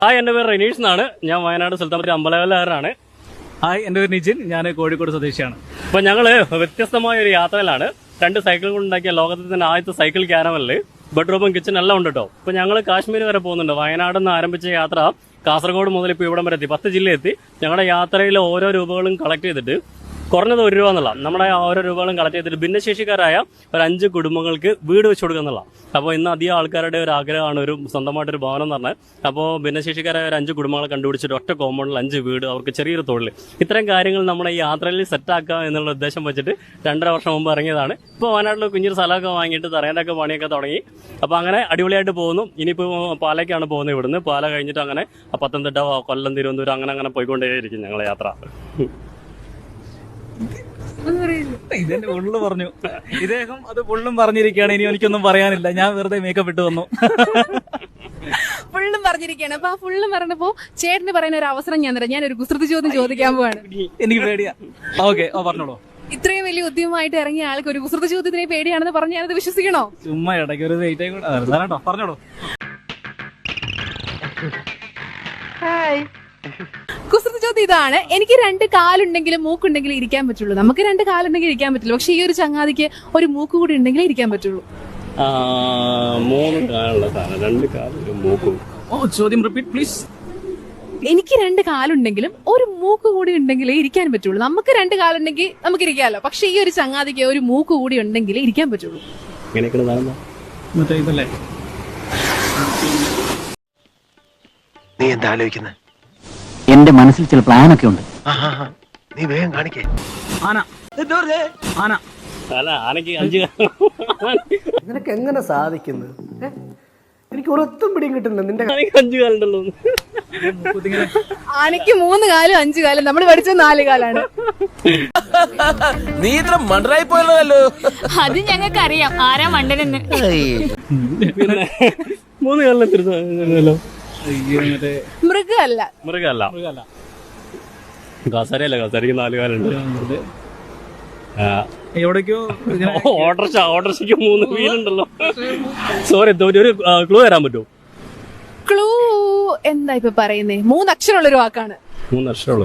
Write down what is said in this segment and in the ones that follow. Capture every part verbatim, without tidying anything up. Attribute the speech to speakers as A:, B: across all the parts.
A: Hi, എൻ്റെ പേര് റെനീഷ് എന്നാണ്. ഞാൻ വയനാട് സുൽത്താൻപുരം അമ്പലവയലുകാരനാണ്.
B: ഹായ്, എൻ്റെ പേര് നിജിൻ. ഞാൻ കോഴിക്കോട് സ്വദേശിയാണ്.
A: അപ്പോൾ ഞങ്ങൾ വ്യത്യസ്തമായ ഒരു യാത്രയിലാണ്. രണ്ട് സൈക്കിൾ കൊണ്ടുണ്ടാക്കിയ ലോകത്തിൽ തന്നെ ആദ്യത്തെ സൈക്കിൾ ക്യാരവനിൽ ബെഡ്റൂമും കിച്ചൺ എല്ലാം ഉണ്ട് കേട്ടോ. ഇപ്പോൾ ഞങ്ങൾ കാശ്മീർ വരെ പോകുന്നുണ്ട്. വയനാട് നിന്ന് ആരംഭിച്ച യാത്ര കാസർഗോഡ് മുതൽ ഇപ്പോൾ ഇവിടം വരെ എത്തി, പത്ത് ജില്ല എത്തി. ഞങ്ങളുടെ യാത്രയിൽ ഓരോ രൂപകളും കളക്ട് ചെയ്തിട്ട് കുറഞ്ഞത് ഒരു രൂപ എന്നുള്ള നമ്മുടെ ഓരോ രൂപകളും കളക്ട് ചെയ്തിട്ട് ഭിന്നശേഷിക്കാരായ ഒരു അഞ്ച് കുടുംബങ്ങൾക്ക് വീട് വെച്ച് കൊടുക്കുക എന്നുള്ള. അപ്പോൾ ഇന്ന് അധികം ആൾക്കാരുടെ ഒരു ആഗ്രഹമാണ് ഒരു സ്വന്തമായിട്ടൊരു ഭവനം എന്ന് പറഞ്ഞാൽ. അപ്പോൾ ഭിന്നശേഷിക്കാരായ ഒരു അഞ്ച് കുടുംബങ്ങളെ കണ്ടുപിടിച്ചിട്ട് ഒറ്റ കോമ്പൗണ്ടിൽ അഞ്ച് വീട്, അവർക്ക് ചെറിയൊരു തൊഴിൽ, ഇത്തരം കാര്യങ്ങൾ നമ്മുടെ ഈ യാത്രയിൽ സെറ്റാക്കുക എന്നുള്ള ഉദ്ദേശം വെച്ചിട്ട് രണ്ടര വർഷം മുമ്പ് ഇറങ്ങിയതാണ്. ഇപ്പോൾ വയനാട്ടിൽ കുഞ്ഞൊരു സ്ഥലമൊക്കെ വാങ്ങിയിട്ട് തറേൻ്റെയൊക്കെ പണിയൊക്കെ തുടങ്ങി. അപ്പോൾ അങ്ങനെ അടിപൊളിയായിട്ട് പോകുന്നു. ഇനിയിപ്പോൾ പാലയ്ക്കാണ് പോകുന്നത്. ഇവിടുന്ന് പാല കഴിഞ്ഞിട്ട് അങ്ങനെ പത്തനംതിട്ട, കൊല്ലം, തിരുവനന്തപുരം അങ്ങനെ അങ്ങനെ പോയിക്കൊണ്ടേയിരിക്കും ഞങ്ങളെ യാത്ര.
B: ഇതെന്നെ ഫുള്ള് പറഞ്ഞു. ഇദ്ദേഹം അത് ഫുള്ളും പറഞ്ഞിരിക്കുകയാണ്. ഇനി എനിക്കൊന്നും പറയാനില്ല. ഞാൻ വെറുതെ മേക്കപ്പ് ഇട്ട് വന്നു.
C: ഫുള്ളും പറഞ്ഞിരിക്കുകയാണ്. അപ്പൊ ആ ഫുള്ളും പറഞ്ഞപ്പോ ചേട്ടന് പറയുന്ന ഒരു അവസരം ഞാൻ തരാം. ഞാൻ ഒരു കുസൃതി ചോദ്യം ചോദിക്കാൻ പോവാണ്.
B: എനിക്ക് പേടിയാ. ഓക്കെ, ഓ പറഞ്ഞോളൂ.
C: ഇത്രയും വലിയ ഉദ്യമമായിട്ട് ഇറങ്ങിയ ആൾക്ക് ഒരു കുസൃതി ചോദ്യത്തിനെ പേടിയാണെന്ന് പറഞ്ഞ് ഞാനത് വിശ്വസിക്കണോ?
B: ചുമ്മാ ഇടയ്ക്ക് ഒരു വെയിറ്റ് ആയിക്കോട്ടോ. പറഞ്ഞോളൂ.
C: കുസൃതി ചോദ്യം ഇതാണ്. എനിക്ക് രണ്ട് കാലുണ്ടെങ്കിലും മൂക്കുണ്ടെങ്കിലും ഇരിക്കാൻ പറ്റുള്ളൂ. നമുക്ക് രണ്ട് കാലുണ്ടെങ്കിൽ ഇരിക്കാൻ പറ്റുള്ളൂ. പക്ഷെ ഈ ഒരു ചങ്ങാതിക്ക് ഒരു മൂക്ക് കൂടി ഉണ്ടെങ്കിൽ ഇരിക്കാൻ പറ്റുള്ളൂ.
A: മൂന്ന് കാലുള്ള സാധനം, രണ്ട് കാലും മൂക്കും.
B: ഓ, ചോദ്യം റിപ്പീറ്റ് പ്ലീസ്.
C: എനിക്ക് രണ്ട് കാലുണ്ടെങ്കിലും ഒരു മൂക്ക് കൂടി ഉണ്ടെങ്കിലേ ഇരിക്കാൻ പറ്റുള്ളൂ. നമുക്ക് രണ്ട് കാലുണ്ടെങ്കിൽ നമുക്ക് ഇരിക്കാമല്ലോ. പക്ഷെ ഈ ഒരു ചങ്ങാതിക്ക് ഒരു മൂക്ക് കൂടി ഉണ്ടെങ്കിലേ ഇരിക്കാൻ പറ്റുള്ളൂ.
B: മറ്റേ ഇതല്ലേ?
D: നീ എന്താ ആലോചിക്കുന്നത്?
E: എന്റെ മനസ്സിൽ ചില പ്ലാനൊക്കെ ഉണ്ട്.
D: നീ വേഗം കാണിക്കേ.
B: ആന. ആന.
A: അല്ല, ആനയ്ക്ക് അഞ്ച്
F: നിനക്ക് എങ്ങനെ സാധിക്കുന്നത്? എനിക്ക് ഒരൊത്തും പിടിയും കിട്ടുന്നില്ല. നിന്റെ
A: ആനയ്ക്ക് അഞ്ചു കാലുണ്ടല്ലോ.
C: ആനയ്ക്ക് മൂന്ന് കാലും അഞ്ചു കാലും, നമ്മൾ പഠിച്ച നാല് കാലാണ്.
D: നീ ഇത്ര മണ്ടറായി പോയല്ലോ.
G: അത് ഞങ്ങൾക്ക് അറിയാം ആരാ മണ്ടനെന്ന്.
A: പിന്നെ മൂന്ന് കാലിനെത്തിരുന്നല്ലോ.
C: മൃഗമല്ല.
A: മൃഗമല്ല. കസരയല്ല, കസരയ്ക്ക് നാല് കാലുണ്ട്.
B: എവിടേക്കോ
A: ഓട്ടർഷ ഓട്ടർഷയ്ക്ക് മൂന്ന് വീലുണ്ടല്ലോ. സോറി, ഒരു ക്ലൂ തരാൻ പറ്റുമോ?
C: ക്ലൂ എന്താ ഇപ്പൊ പറയുന്നേ? മൂന്ന് അക്ഷരമുള്ളൊരു വാക്കാണ്.
A: മൂന്ന് അക്ഷരമുള്ളൂ.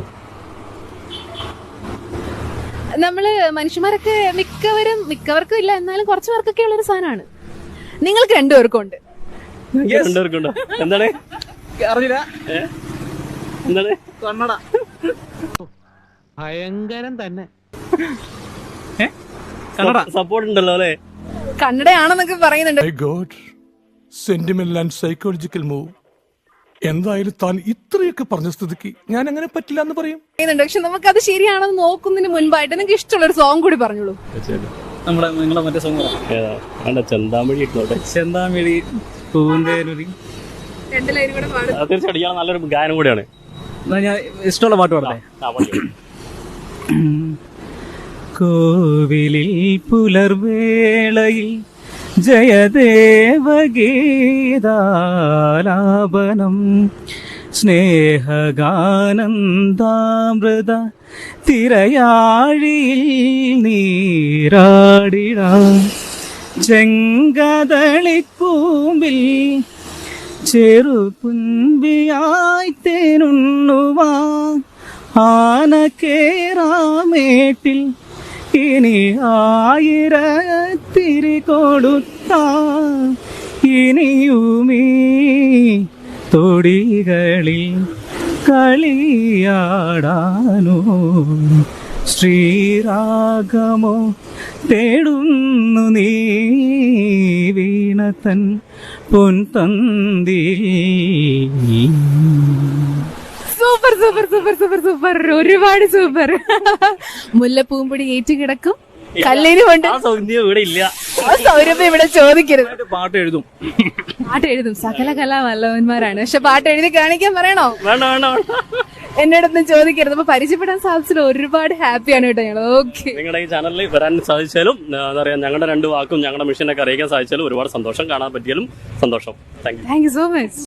C: നമ്മള് മനുഷ്യന്മാരൊക്കെ മിക്കവരും മിക്കവർക്കും ഇല്ല, എന്നാലും കുറച്ചു പേർക്കൊക്കെ ഉള്ളൊരു സാധനമാണ്. നിങ്ങൾക്ക് രണ്ടുപേർക്കും ഉണ്ട്.
A: രണ്ടുപേർക്കുണ്ടോ? എന്താണ്?
B: അറിഞ്ഞില്ല.
A: എന്താണ്?
B: കണ്ണട.
D: ഭയങ്കരം തന്നെ.
B: കണ്ണട
A: സപ്പോർട്ട് ഉണ്ടല്ലോ അല്ലേ?
C: കണ്ണടയാണെന്നൊക്കെ പറയുന്നുണ്ട്.
H: Sentimental and psychological move. എന്തായാലും താൻ ഇത്രയൊക്കെ പറഞ്ഞ സ്ഥിതിക്ക് ഞാൻ അങ്ങനെ പറ്റില്ല എന്ന് പറയും.
C: പക്ഷെ നമുക്ക് അത് ശരിയാണെന്ന് നോക്കുന്നതിന് മുൻപായിട്ട് നിങ്ങൾക്ക് ഇഷ്ടമുള്ള ഒരു സോങ് കൂടി പറഞ്ഞോളൂ.
B: നമ്മുടെ നിങ്ങളെ മറ്റേ സോങ്
A: ചെന്താമഴി ഇട്ടോട്ടെ.
B: ചെന്താമിഴി പൂന്തേനുരി.
A: തീർച്ചയായിട്ടും ഇയാൾ നല്ലൊരു ഗാനം കൂടിയാണ്.
B: ഞാൻ ഇഷ്ടമുള്ള പാട്ട് പാടല്ലേ? കോവിലിൽ പുലർവേളയിൽ ജയദേവഗീതാലാപനം സ്നേഹഗാനന്ദാമൃത തിരയാഴിയിൽ നീരാടിടാം ചെങ്കദളിക്കൂമ്പിൽ ചെറുപുൻപിയായി തേനുണ്ണുവാ ആനക്കേറാമേട്ടിൽ ഇനി ആയിരത്തിരി കൊടുത്ത ഇനിയുമീ തൊടികളിൽ കളിയാടാനോ ശ്രീരാഗമോ തേടുന്നു നീ വീണതൻ പൊൻതന്തി.
C: Super super super super super, ഒരുപാട് സൂപ്പർ. മുല്ലപ്പൂമ്പൊടി ഏറ്റുകിടക്കും കല്ലിന് കൊണ്ട്
A: ഇവിടെ ഇല്ല.
C: ആ സൗരഭ്യം ഇവിടെ ചോദിക്കരുത്.
B: പാട്ട് എഴുതും.
C: പാട്ട് എഴുതും. സകല കലാവല്ലവന്മാരാണ്. പക്ഷെ പാട്ട് എഴുതി കാണിക്കാൻ പറയണോ?
A: വേണ്ട വേണ്ട വേണ്ട,
C: എന്നോടൊന്നും ചോദിക്കരുത്. അപ്പൊ പരിചയപ്പെടാൻ സാധിച്ചത് ഒരുപാട് ഹാപ്പിയാണ് കേട്ടോ ഞങ്ങൾ. ഓക്കെ,
A: നിങ്ങളുടെ ഈ ചാനലിൽ വരാൻ സാധിച്ചാലും എന്താ പറയാ, ഞങ്ങളുടെ രണ്ട് വാക്കും ഞങ്ങളുടെ മിഷനൊക്കെ അറിയിക്കാൻ സാധിച്ചാലും ഒരുപാട് സന്തോഷം. കാണാൻ പറ്റിയാലും സന്തോഷം. Thank you
C: thank you so much.